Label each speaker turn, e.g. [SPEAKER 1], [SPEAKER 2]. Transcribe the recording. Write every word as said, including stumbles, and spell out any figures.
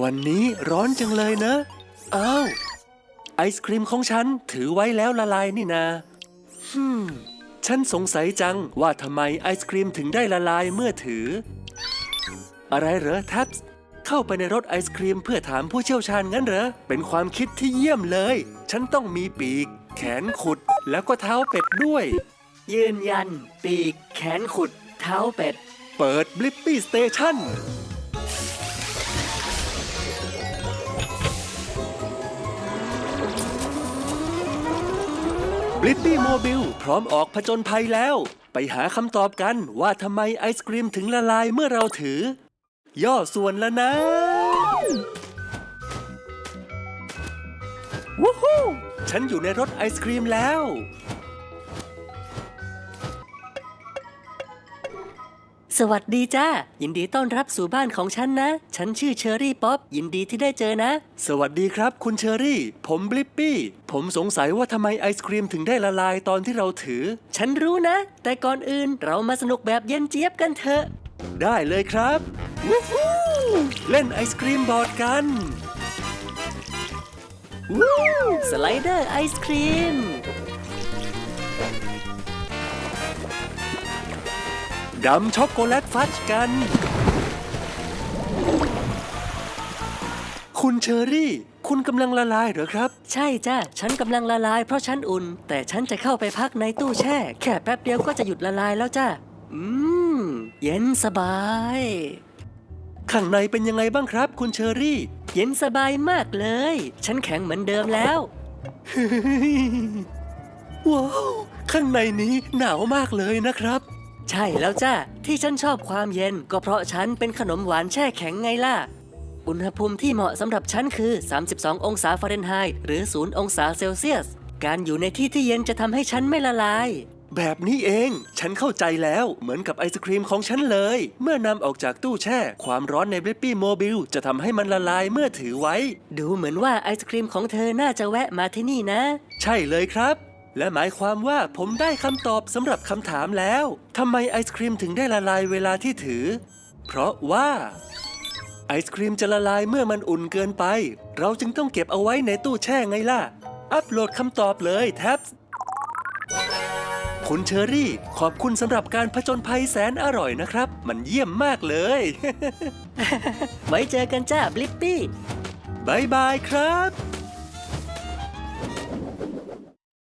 [SPEAKER 1] วันนี้ร้อนจังเลยนะอ้าวไอศครีมของฉันถือไว้แล้วละลายนี่นาฮึมฉันสงสัยจังว่าทำไมไอศครีมถึงได้ละลายเมื่อถืออะไรเหรอแท็บส์เข้าไปในรถไอศครีมเพื่อถามผู้เชี่ยวชาญงั้นเหรอเป็นความคิดที่เยี่ยมเลยฉันต้องมีปีกแขนขุดแล้วก็เท้าเป็ดด้วย
[SPEAKER 2] ยืนยันปีกแขนขุดเท้าเป็ด
[SPEAKER 1] เปิดบลิปปี้สเตชันบลิปปี้โมบิลพร้อมออกผจญภัยแล้วไปหาคำตอบกันว่าทำไมไอศกรีมถึงละลายเมื่อเราถือย่อส่วนแล้วนะวู้ฮู้ฉันอยู่ในรถไอศกรีมแล้ว
[SPEAKER 2] สวัสดีจ้ายินดีต้อนรับสู่บ้านของฉันนะฉันชื่อเชอรี่ป๊อปยินดีที่ได้เจอนะ
[SPEAKER 1] สวัสดีครับคุณเชอรี่ผมบลิปปี้ผมสงสัยว่าทำไมไอศครีมถึงได้ละลายตอนที่เราถือ
[SPEAKER 2] ฉันรู้นะแต่ก่อนอื่นเรามาสนุกแบบเย็นเจี๊ยบกันเถอะ
[SPEAKER 1] ได้เลยครับวู้ฮู้เล่นไอศครีมบอร์ดกัน
[SPEAKER 2] วู้สไลเดอร์ไอศครีม
[SPEAKER 1] ดำช็อกโกแลตฟัดกันคุณเชอรี่คุณกำลังละลายเหรอครับ
[SPEAKER 2] ใช่จ้ะฉันกำลังละลายเพราะฉันอุ่นแต่ฉันจะเข้าไปพักในตู้แช่แค่แป๊บเดียวก็จะหยุดละลายแล้วจ้ะอืมเย็นสบาย
[SPEAKER 1] ข้างในเป็นยังไงบ้างครับคุณเชอรี่
[SPEAKER 2] เย็นสบายมากเลยฉันแข็งเหมือนเดิมแล้ว
[SPEAKER 1] ว้าวข้างในนี้หนาวมากเลยนะครับ
[SPEAKER 2] ใช่แล้วจ้ะที่ฉันชอบความเย็นก็เพราะฉันเป็นขนมหวานแช่แข็งไงล่ะอุณหภูมิที่เหมาะสำหรับฉันคือสามสิบสององศาฟาเรนไฮต์หรือศูนย์องศาเซลเซียสการอยู่ในที่ที่เย็นจะทำให้ฉันไม่ละลาย
[SPEAKER 1] แบบนี้เองฉันเข้าใจแล้วเหมือนกับไอศครีมของฉันเลยเมื่อนำออกจากตู้แช่ความร้อนในบลิปปี้โมบิลจะทำให้มันละลายเมื่อถือไว้
[SPEAKER 2] ดูเหมือนว่าไอศครีมของเธอน่าจะแวะมาที่นี่นะ
[SPEAKER 1] ใช่เลยครับและหมายความว่าผมได้คำตอบสำหรับคำถามแล้วทำไมไอศครีมถึงได้ละลายเวลาที่ถือเพราะว่าไอศครีมจะละลายเมื่อมันอุ่นเกินไปเราจึงต้องเก็บเอาไว้ในตู้แช่ไงล่ะอัปโหลดคำตอบเลยแท็บคุณเชอรี่ขอบคุณสำหรับการผจญภัยแสนอร่อยนะครับมันเยี่ยมมากเลย
[SPEAKER 2] ไว้เจอกันจ้าบลิปปี้
[SPEAKER 1] บายบายครับ